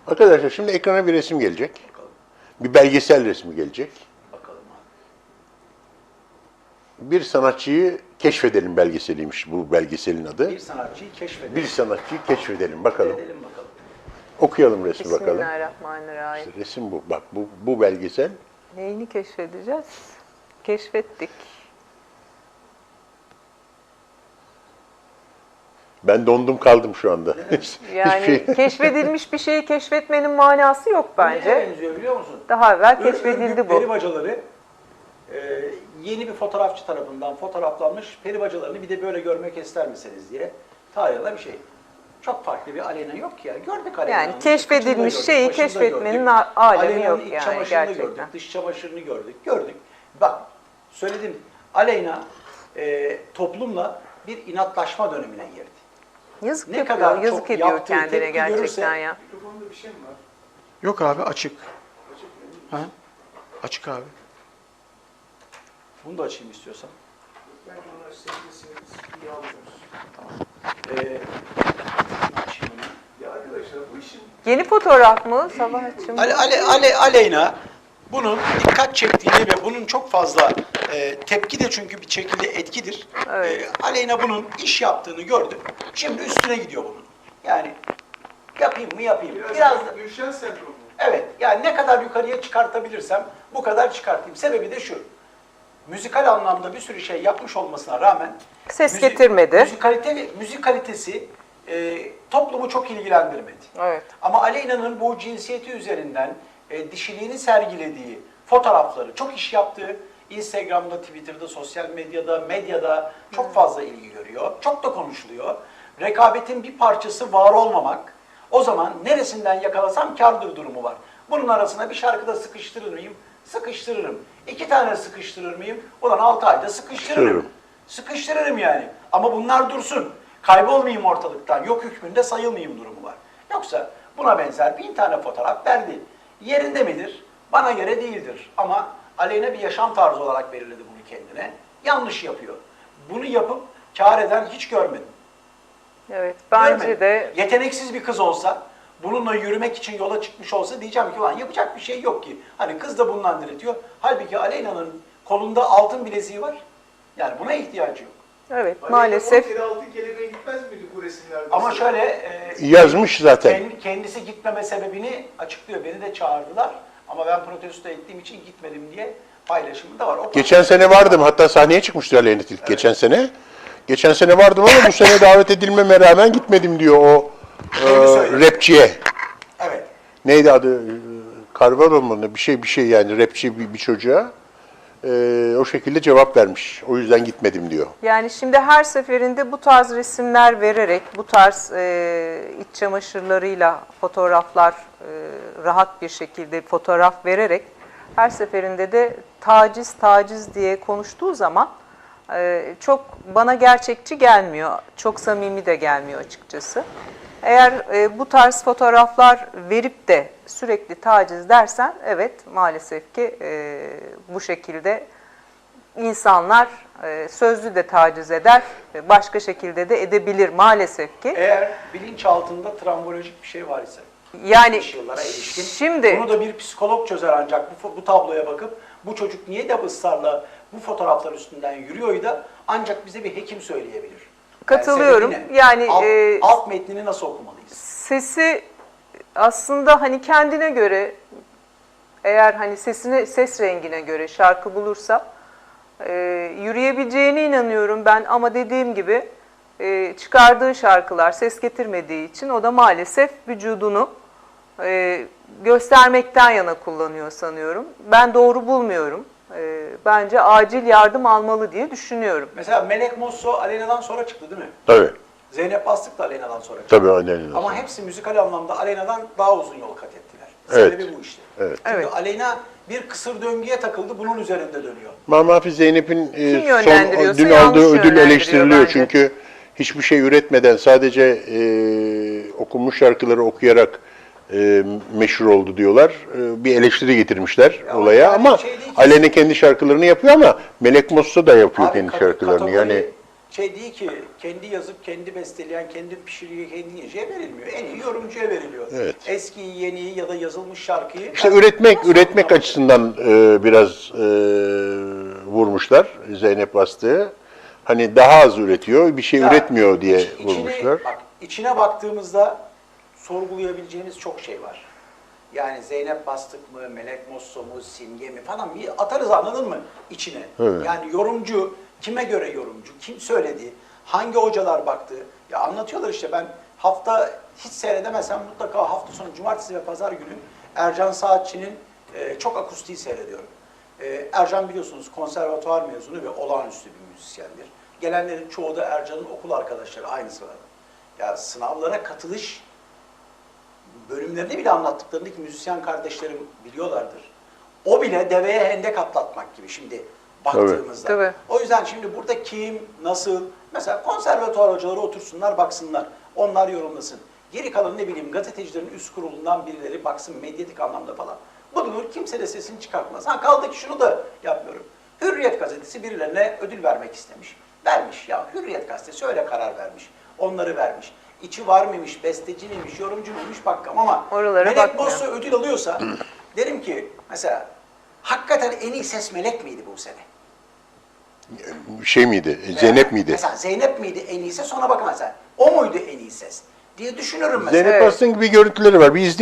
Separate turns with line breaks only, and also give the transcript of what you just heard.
Arkadaşlar şimdi ekrana bir resim gelecek.
Bakalım.
Bir belgesel resmi gelecek.
Bakalım abi.
Bir sanatçıyı keşfedelim belgeseliymiş bu belgeselin adı.
Bir sanatçıyı keşfedelim.
Bir sanatçıyı keşfedelim bakalım.
Edelim bakalım.
Okuyalım resmi bakalım.
Bismillahirrahmanirrahim.
İşte resim bu. Bak bu belgesel.
Neyini keşfedeceğiz? Keşfettik.
Ben dondum kaldım şu anda.
Yani
Hiçbir şey.
keşfedilmiş bir şeyi keşfetmenin manası yok
Neye
bence.
benziyor biliyor musun?
Daha evvel keşfedildi
Peri
bu.
bacaları yeni bir fotoğrafçı tarafından fotoğraflanmış peri bacalarını bir de böyle görmek ister misiniz diye tarihte bir şey. Çok farklı bir Aleyna yok ya. Gördük Aleyna'nın.
Yani keşfedilmiş
Kıçını da
şeyi
gördük, başını da
keşfetmenin
gördük.
alemi
Aleyna'nın
yok
iç
yani
çamaşırını
gerçekten.
gördük, dış çamaşırını gördük. Bak söyledim. Aleyna toplumla bir inatlaşma dönemine girdi.
Yazık
Ne
yapıyor,
kadar
yazık
çok
ediyor
yaptığı
kendine
tepki
gerçekten
görürse-
ya.
Mikrofonda bir şey mi var?
Yok abi açık.
Açık mı?
Ha? Açık abi. Bunu da açayım istiyorsan.
Belki onlar sevgilisi iyi alıyoruz.
Açayım onu.
Ya arkadaşlar bu işin
Yeni fotoğraf mı Sabahçım?
Aleyna bunun dikkat çektiğini ve bunun çok fazla tepki de çünkü bir şekilde etkidir.
Evet.
Aleyna bunun iş yaptığını gördü. Şimdi üstüne gidiyor bunun. Yani yapayım mı yapayım. Biraz da,
Gülşen sendromu.
evet yani ne kadar yukarıya çıkartabilirsem bu kadar çıkartayım. Sebebi de şu. Müzikal anlamda bir sürü şey yapmış olmasına rağmen
Ses getirmedi.
Müzik kalitesi toplumu çok ilgilendirmedi.
Evet.
Ama Aleyna'nın bu cinsiyeti üzerinden dişiliğini sergilediği fotoğrafları, çok iş yaptığı, Instagram'da, Twitter'da, sosyal medyada çok fazla ilgi görüyor. Çok da konuşuluyor. Rekabetin bir parçası var olmamak, o zaman neresinden yakalasam kârdır durumu var. Bunun arasına bir şarkıda sıkıştırır mıyım? Sıkıştırırım. 2 tane sıkıştırır mıyım? Ulan 6 ayda sıkıştırırım. Sıkıştırırım yani. Ama bunlar dursun. Kaybolmayayım ortalıktan. Yok hükmünde sayılmayayım durumu var. Yoksa buna benzer 1000 tane fotoğraf verdi. Yerinde midir? Bana göre değildir. Ama Aleyna bir yaşam tarzı olarak belirledi bunu kendine. Yanlış yapıyor. Bunu yapıp kâr eden hiç görmedim.
Evet, bence
Görmedim.
de
Yeteneksiz bir kız olsa, bununla yürümek için yola çıkmış olsa diyeceğim ki ulan yapacak bir şey yok ki. Hani kız da bundan diretiyor. Halbuki Aleyna'nın kolunda altın bileziği var. Yani buna ihtiyacı yok.
evet
Aleyna
maalesef
10 kere altın kelebeğe gitmez miydi bu resimlerde?
Ama şöyle
Yazmış zaten.
kendisi gitmeme sebebini açıklıyor. Beni de çağırdılar ama ben protesto ettiğim için gitmedim diye paylaşımı da var. O
Geçen sene vardım. Hatta sahneye çıkmıştı Aleyna Tilki geçen sene. Geçen sene vardım ama bu sene davet edilmeme rağmen gitmedim diyor o rapçiye.
Evet.
Neydi adı? Carvalho mu? Bir şey yani rapçi bir çocuğa. O şekilde cevap vermiş. O yüzden gitmedim diyor.
yani şimdi her seferinde bu tarz resimler vererek, bu tarz iç çamaşırlarıyla fotoğraflar rahat bir şekilde fotoğraf vererek her seferinde de taciz diye konuştuğu zaman çok bana gerçekçi gelmiyor. Çok samimi de gelmiyor açıkçası. Eğer bu tarz fotoğraflar verip de sürekli taciz dersen evet maalesef ki bu şekilde insanlar sözlü de taciz eder, başka şekilde de edebilir maalesef ki.
Eğer bilinçaltında travmatolojik bir şey var ise,
Yani
geçmiş yıllara ilişkin,
şimdi
bunu da bir psikolog çözer ancak bu tabloya bakıp bu çocuk niye de ısrarla bu fotoğraflar üstünden yürüyor da ancak bize bir hekim söyleyebilir.
Katılıyorum.
sebebi ne?
Yani,
alt metnini nasıl okumalıyız?
sesi aslında hani kendine göre eğer hani ses rengine göre şarkı bulursa yürüyebileceğine inanıyorum ben ama dediğim gibi çıkardığı şarkılar ses getirmediği için o da maalesef vücudunu göstermekten yana kullanıyor sanıyorum. Ben doğru bulmuyorum. Bence acil yardım almalı diye düşünüyorum.
Mesela Melek Mosso Aleyna'dan sonra çıktı değil mi?
Tabii.
Zeynep Bastık da Aleyna'dan sonra çıktı.
Tabii Aleyna.
Ama hepsi müzikal anlamda Aleyna'dan daha uzun yol kat ettiler.
Evet.
Sebebi bu işte.
Evet.
Çünkü
Evet.
Aleyna bir kısır döngüye takıldı, bunun üzerinde dönüyor.
Mahfi Zeynep'in
yönlendiriyorsa
dün
yanlış
aldığı ödül
yönlendiriyor
eleştiriliyor
bence.
çünkü hiçbir şey üretmeden sadece okunmuş şarkıları okuyarak meşhur oldu diyorlar. Bir eleştiri getirmişler
Ya
olaya
yani
ama
şey değil ki-
Aleyna kendi şarkılarını yapıyor ama Melek Mosso da yapıyor
Abi
kendi şarkılarını.
kategori
Yani
şey değil ki kendi yazıp, kendi besteleyen, kendi pişiriyor, kendi yiyeceğe verilmiyor. En iyi yorumcuya veriliyor.
Evet.
Eskiyi, yeniyi ya da yazılmış şarkıyı...
İşte üretmek açısından biraz vurmuşlar Zeynep Bastık'ı. Hani daha az üretiyor, bir şey
Ya,
üretmiyor diye vurmuşlar.
İçine baktığımızda sorgulayabileceğimiz çok şey var. Yani Zeynep Bastık mı, Melek Mosso mu, Simge mi falan bir atarız, anladın mı içine?
Evet.
Yani yorumcu, kime göre yorumcu, kim söyledi, hangi hocalar baktı? Ya anlatıyorlar işte, ben hafta hiç seyredemesem mutlaka hafta sonu cumartesi ve pazar günü Ercan Saatçı'nın çok akustiği seyrediyorum. Ercan biliyorsunuz konservatuvar mezunu ve olağanüstü bir müzisyendir. Gelenlerin çoğu da Ercan'ın okul arkadaşları aynı sırada. Ya sınavlara katılış bölümlerini bile anlattıklarındaki müzisyen kardeşlerim biliyorlardır. O bile deveye hendek atlatmak gibi şimdi baktığımızda.
Tabii.
O yüzden şimdi burada kim, nasıl, mesela konservatuvar hocaları otursunlar, baksınlar. Onlar yorumlasın. Geri kalan ne bileyim gazetecilerin üst kurulundan birileri baksın medyatik anlamda falan. Bulunur, kimse de sesini çıkartmaz. Ha kaldı ki şunu da yapmıyorum. Hürriyet gazetesi birilerine ödül vermek istemiş. Vermiş ya, Hürriyet gazetesi öyle karar vermiş. Onları vermiş. İçi var mıymış, besteci miymiş, yorumcu muymuş bakkam ama
Oralara
Melek
bakmıyor.
Mosso ödül alıyorsa derim ki mesela hakikaten en iyi ses Melek miydi bu sene?
Şey miydi, Zeynep miydi?
Mesela Zeynep miydi en iyi ses, ona bakın mesela. O muydu en iyi ses diye düşünürüm mesela.
Zeynep
Evet.
Bastık'ın gibi görüntüleri var. Bir izleyelim.